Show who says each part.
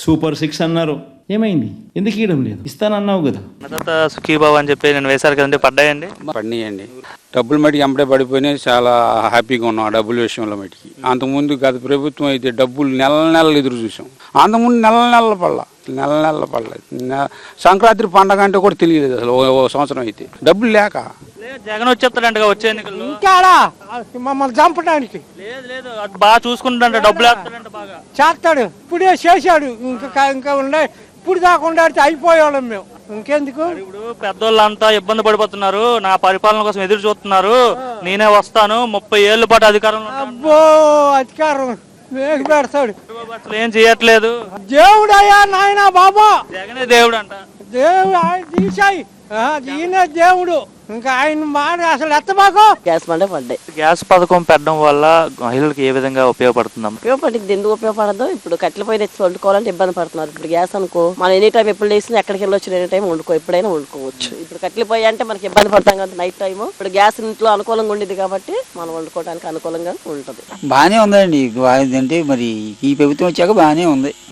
Speaker 1: Super 6 అన్నారు, ఏమైంది? ఎందుకు ఇవ్వడం లేదు? ఇస్తానన్నావు కదా.
Speaker 2: తర్వాత సుఖీబాబు అని చెప్పి నేను వేశారు కదండి, పడ్డాయండి?
Speaker 3: పడినాయండి. డబ్బులు మటుకు ఎంపడే పడిపోయినాయి. చాలా హ్యాపీగా ఉన్నాం ఆ డబ్బుల విషయంలో మటుకి. అంతకుముందు గత ప్రభుత్వం అయితే డబ్బులు నెలలు ఎదురు చూసాం. అంతకుముందు నెలల పడలేదు. సంక్రాంతి పండగ అంటే కూడా తెలియలేదు అసలు. ఓ సంవత్సరం అయితే డబ్బులు లేక
Speaker 2: జగన్ వచ్చేస్తాడంట వచ్చే ఎన్నికల్లో.
Speaker 4: ఇంకాడా మమ్మల్ని చంపడానికి
Speaker 2: లేదు అది బాగా చూసుకుంటాడంట, డబ్బులు వేస్తాడంట బాగా.
Speaker 4: చేస్తాడు, ఇప్పుడే చేశాడు. ఇంకా ఉండే ఇప్పుడు దాకా ఉండాడితే అయిపోయేవాళ్ళం మేము. ఇంకెందుకు?
Speaker 2: ఇప్పుడు పెద్దోళ్ళంతా ఇబ్బంది పడిపోతున్నారు, నా పరిపాలన కోసం ఎదురు చూస్తున్నారు, నేనే వస్తాను 30 ఏళ్ల పాటు అధికారంలో.
Speaker 4: అబ్బో అధికారం మేకు పెడతాడు.
Speaker 2: అసలు ఏం చేయట్లేదు.
Speaker 4: దేవుడయ్యా నాయనా బాబా,
Speaker 2: జగనే దేవుడు అంట.
Speaker 4: దేవుడు ఆయన తీసాయి, ఈయన దేవుడు. ఇంకా ఆయన మాట అసలు ఎత్తబాకు.
Speaker 5: గ్యాస్ బండ పడ్డాయి.
Speaker 2: గ్యాస్ పథకం పెట్టడం వల్ల మహిళలకు ఏ విధంగా ఉపయోగపడుతుందమ్మా?
Speaker 5: ఉపయోగపడింది. ఎందుకు ఉపయోగపడదు? ఇప్పుడు కట్టెల పొయ్యి తెచ్చి వండుకోవాలంటే ఇబ్బంది పడుతున్నారు. ఇప్పుడు గ్యాస్ అనుకో, మనం ఎనీ టైం ఎప్పుడు లేసినా ఎక్కడికి వెళ్ళొచ్చు, ఎనీ టైం వండుకో, ఎప్పుడైనా వండుకోవచ్చు. ఇప్పుడు కట్టెల పొయ్యి అంటే మనకి ఇబ్బంది పడతాం కదా నైట్ టైం. ఇప్పుడు గ్యాస్ ఇంట్లో అనుకూలంగా ఉండేది కాబట్టి మనం వండుకోవడానికి అనుకూలంగా ఉంటుంది.
Speaker 6: బాగానే ఉందండి. అంటే మరి ఈ ప్రభుత్వం వచ్చాక బాగానే ఉంది.